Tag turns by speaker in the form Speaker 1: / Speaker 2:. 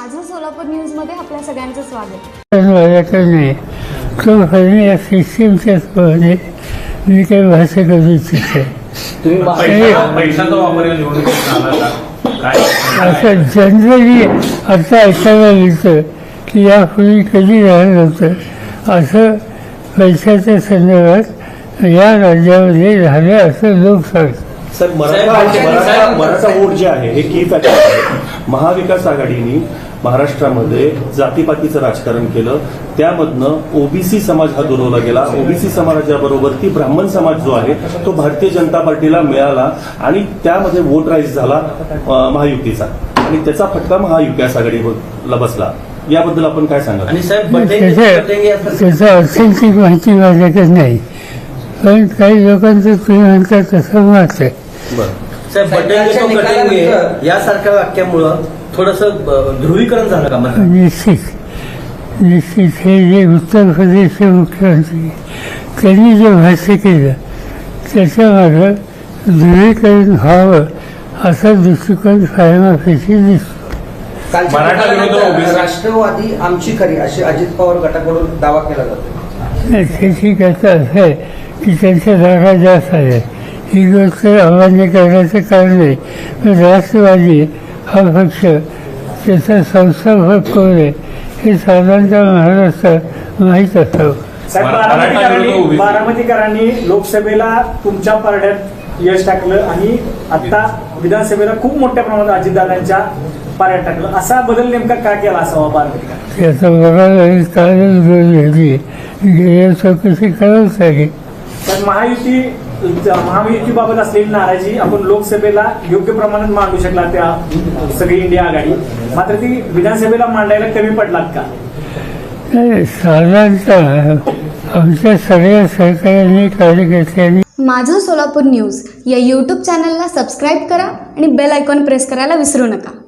Speaker 1: माझं सोलापूर न्यूजमध्ये आपल्या सगळ्यांचं स्वागत.
Speaker 2: नाही तो खरं या सिस्टीमच्याच पहिले मी काही भाषा करू इच्छिते.
Speaker 3: पैशाचा वापर या निवडणुकीत झाला का?
Speaker 2: असं जनरली आता ऐकायला मिळतं की यापूर्वी कधी राहिलं नव्हतं असं पैशाच्या संदर्भात या राज्यामध्ये झालं असं लोक सांगतात.
Speaker 4: सर मराठा वोट जे आहे हे की फॅक्टर आहे. महाविकास आघाडीने महाराष्ट्रामध्ये जातीपातीचं राजकारण केलं, त्यामधनं ओबीसी समाज हा दुरवला गेला. ओबीसी समाजाबरोबर ती ब्राह्मण समाज जो आहे तो भारतीय जनता पार्टीला मिळाला आणि त्यामध्ये वोट राईज झाला महायुतीचा आणि त्याचा फटका महाविकास आघाडीला बसला. याबद्दल आपण काय सांगा?
Speaker 5: आणि साहेब
Speaker 2: त्याचं ऑथेंटिक माहिती माझ्याकडे नाही, पण काही लोकांचं तुम्ही म्हणता तसं मत आहे.
Speaker 5: साहेब बटेंगे यासारख्या वाक्यामुळं थोडंसं ध्रुवीकरण झालं का?
Speaker 2: निश्चित हे जे उत्तर प्रदेशचे मुख्यमंत्री त्यांनी जे भाष्य केलं त्याच्यामागं ध्रुवीकरण व्हावं असा दृष्टिकोन कायमाफेशी दिसतो.
Speaker 6: राष्ट्रवादी आमची खरी अशी अजित पवार गटाकडून दावा केला जातो.
Speaker 2: त्याची कथा असं आहे की त्यांच्या जागा जास्त आल्या, ही गोष्ट अमान्य करण्याचं कारण नाही. पण राष्ट्रवादी हा पक्ष त्याचा संस्थापक कोण आहे हे साधारणतः महाराष्ट्रात माहीत असावं.
Speaker 7: बारामतीकरांनी लोकसभेला तुमच्या पारड्यात यश टाकलं आणि आता विधानसभेला खूप मोठ्या प्रमाणात अजितदादांच्या पारड्यात टाकलं. असा बदल नेमका का केला असावा बारामतीकर?
Speaker 2: याचा बघायला कालच वेळ घेतली, गेल्या चौकशी करावंच लागेल.
Speaker 7: पण महायुतीबाबत असलेली नाराजी आपण लोकसभेला योग्य प्रमाणात मांडू शकला त्या सगळी इंडिया आघाडी, मात्र ती विधानसभेला मांडायला कमी पडलात का?
Speaker 2: साधारणतः आमच्या सगळ्या सहकार्याने कार्यकर्त्यांनी
Speaker 1: माझं सोलापूर न्यूज या यूट्यूब चॅनलला सबस्क्राईब करा आणि बेल आयकॉन प्रेस करायला विसरू नका.